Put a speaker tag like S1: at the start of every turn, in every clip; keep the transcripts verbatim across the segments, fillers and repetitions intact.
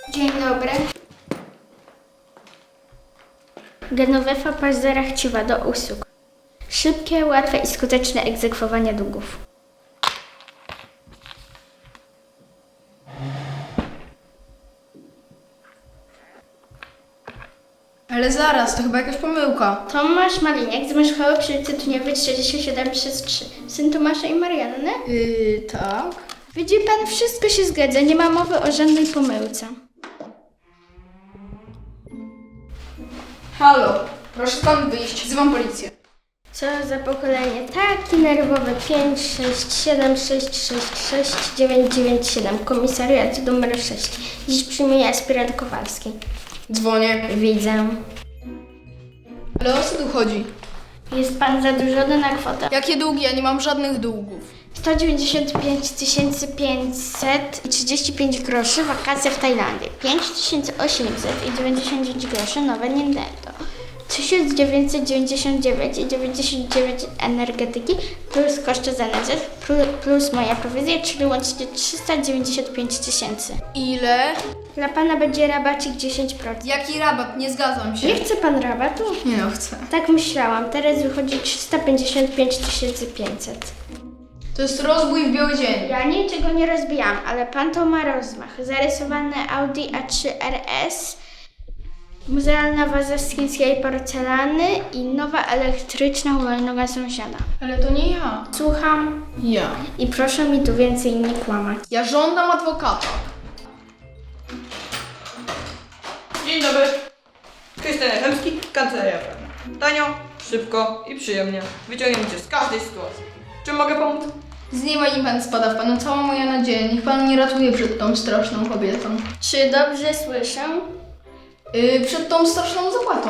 S1: Dzień dobry. Genovefa Paźdzera chciwa do usług. Szybkie, łatwe i skuteczne egzekwowanie długów.
S2: Ale zaraz, to chyba jakaś pomyłka.
S1: Tomasz Maliniak z Mieszkały przy ulicy Tuniowej trzydzieści siedem przez trzy. Syn Tomasza i Marianny?
S2: Yy, tak.
S1: Widzi pan, wszystko się zgadza, nie ma mowy o żadnej pomyłce.
S2: Halo, proszę pan wyjść, wzywam policję.
S1: Co za pokolenie? Taki nerwowy. pięć sześć siedem sześć sześć sześć dziewięć dziewięć siedem. Komisariat numer sześć. Dziś przyjmuje aspirant Kowalski.
S2: Dzwonię.
S1: Widzę.
S2: Ale o co tu chodzi?
S1: Jest pan zadłużony na kwotę
S2: Jakie długi? Ja nie mam żadnych długów.
S1: sto dziewięćdziesiąt pięć tysięcy pięćset trzydzieści pięć groszy, wakacje w Tajlandii. pięć tysięcy osiemset dziewięćdziesiąt dziewięć groszy, nowe Nintendo. tysiąc dziewięćset dziewięćdziesiąt dziewięć i dziewięćdziesiąt dziewięć energetyki plus koszty za N Z plus moja prowizja, czyli łącznie trzysta dziewięćdziesiąt pięć tysięcy.
S2: Ile?
S1: Dla pana będzie rabacik dziesięć procent.
S2: Jaki rabat? Nie zgadzam się.
S1: Nie chce pan rabatu?
S2: Nie no, chcę.
S1: Tak myślałam, teraz wychodzi trzysta pięćdziesiąt pięć tysięcy pięćset.
S2: To jest rozbój w biały dzień.
S1: Ja niczego nie rozbijam, ale pan to ma rozmach. Zarysowane Audi A trzy R S, muzealna waza z chińskiej porcelany i nowa elektryczna hulajnoga sąsiada.
S2: Ale to nie ja.
S1: Słucham
S2: Ja.
S1: i proszę mi tu więcej nie kłamać.
S2: Ja żądam adwokata.
S3: Dzień dobry. Krystian Jachemski, kancelaria prawna. Tanio, szybko i przyjemnie. Wyciągniemy cię z każdej sytuacji. Czym mogę pomóc?
S2: Z nieba i pan spada w panu cała moja nadzieja. Niech pan mnie ratuje przed tą straszną kobietą.
S1: Czy dobrze słyszę?
S2: Yy, przed tą straszną zapłatą.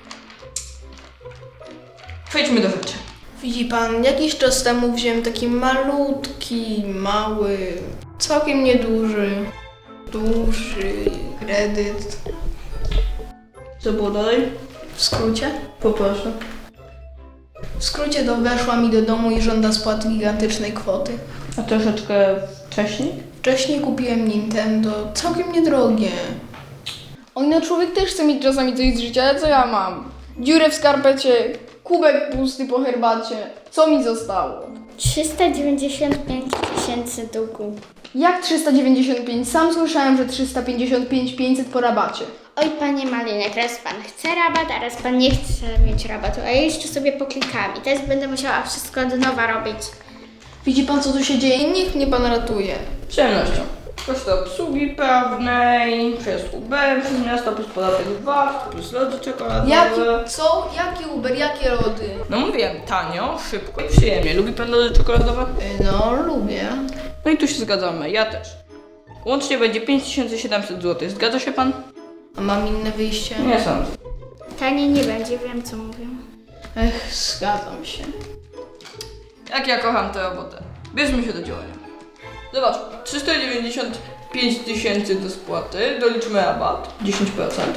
S3: Przejdźmy do rzeczy.
S2: Widzi pan, jakiś czas temu wziąłem taki malutki, mały, całkiem nieduży, duży kredyt.
S3: Co było dalej?
S2: W skrócie?
S3: Poproszę.
S2: W skrócie to weszła mi do domu i żąda spłaty gigantycznej kwoty.
S3: A troszeczkę wcześniej?
S2: Wcześniej kupiłem Nintendo, całkiem niedrogie. Oj, no człowiek też chce mieć czasami coś z życia, ale co ja mam? Dziurę w skarpecie, kubek pusty po herbacie. Co mi zostało?
S1: trzysta dziewięćdziesiąt pięć tysięcy długu.
S2: Jak trzysta dziewięćdziesiąt pięć? Sam słyszałem, że trzysta pięćdziesiąt pięć pięćset po rabacie.
S1: Oj, panie Malinek, raz pan chce rabat, a raz pan nie chce mieć rabatu, a ja jeszcze sobie poklikam i teraz będę musiała wszystko od nowa robić.
S2: Widzi pan, co tu się dzieje? Niech mnie pan ratuje.
S3: Z przyjemnością. Koszty obsługi prawnej, przejazd Uber przez miasto plus podatek V A T plus lody czekoladowe.
S2: Jaki, co? Jaki Uber? Jakie lody?
S3: No mówiłem, tanio, szybko i przyjemnie. Lubi pan lody czekoladowe?
S2: Y, No, lubię.
S3: No i tu się zgadzamy, ja też. Łącznie będzie pięć tysięcy siedemset złotych. Zgadza się pan?
S2: A mam inne wyjście?
S3: Nie sądzę.
S1: Taniej nie będzie, wiem co mówię.
S2: Ech, zgadzam się.
S3: Jak ja kocham tę robotę. Bierzmy się do działania. Zobacz, trzysta dziewięćdziesiąt pięć tysięcy do spłaty, doliczmy rabat, dziesięć procent.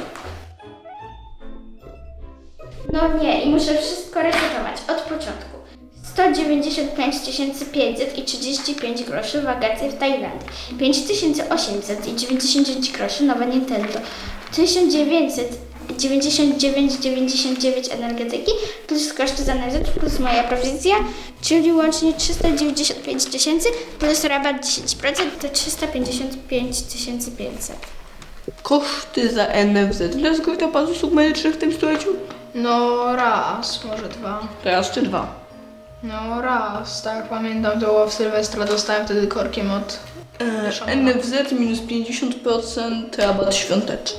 S1: No nie, i muszę wszystko resetować od początku. sto dziewięćdziesiąt pięć tysięcy pięćset i trzydzieści pięć groszy, wakacje w Tajlandii. pięć tysięcy osiemset i dziewięćdziesiąt dziewięć groszy, nowe Nintendo. tysiąc dziewięćset dziewięćdziesiąt dziewięć dziewięćdziesiąt dziewięć energetyki plus koszty za N Z plus moja prowizja, czyli łącznie trzysta dziewięćdziesiąt pięć tysięcy plus rabat dziesięć procent to trzysta pięćdziesiąt pięć tysięcy pięćset.
S3: Koszty za N F Z. Ile zgrywa pan z usług medycznych w tym stuleciu?
S2: No raz, może dwa.
S3: Teraz czy dwa?
S2: No raz, tak pamiętam, to w Sylwestra dostałem wtedy korkiem od...
S3: E, N F Z minus pięćdziesiąt procent, rabat świąteczny.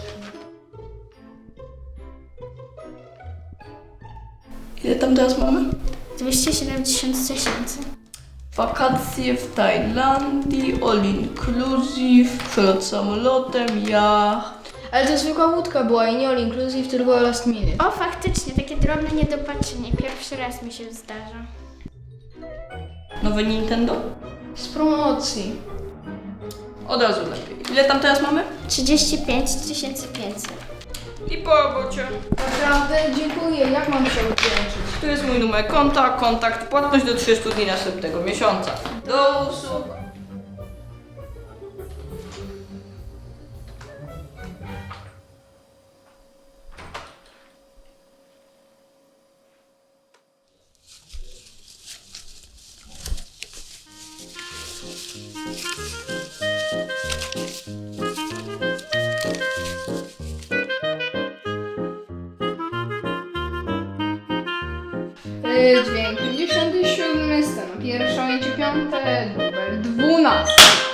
S3: Ile tam teraz mamy?
S1: dwieście siedemdziesiąt tysięcy.
S3: Wakacje w Tajlandii, all inclusive, przelot samolotem, jacht.
S2: Ale to zwykła łódka była i nie all inclusive, tylko last minute.
S1: O, faktycznie, takie drobne niedopatrzenie. Pierwszy raz mi się zdarza.
S3: Nowe Nintendo?
S2: Z promocji.
S3: Od razu lepiej. Ile tam teraz mamy?
S1: trzydzieści pięć tysięcy pięćset.
S3: I po robocie.
S2: Naprawdę? Dziękuję. Jak mam się odwdzięczyć?
S3: Tu jest mój numer konta, kontakt, płatność do trzydziestu dni następnego miesiąca. Do usług.
S2: Yy, dźwięk pięćdziesiąty siódmy, scena pierwsza, ujęcie piąte, dubel dwunasty.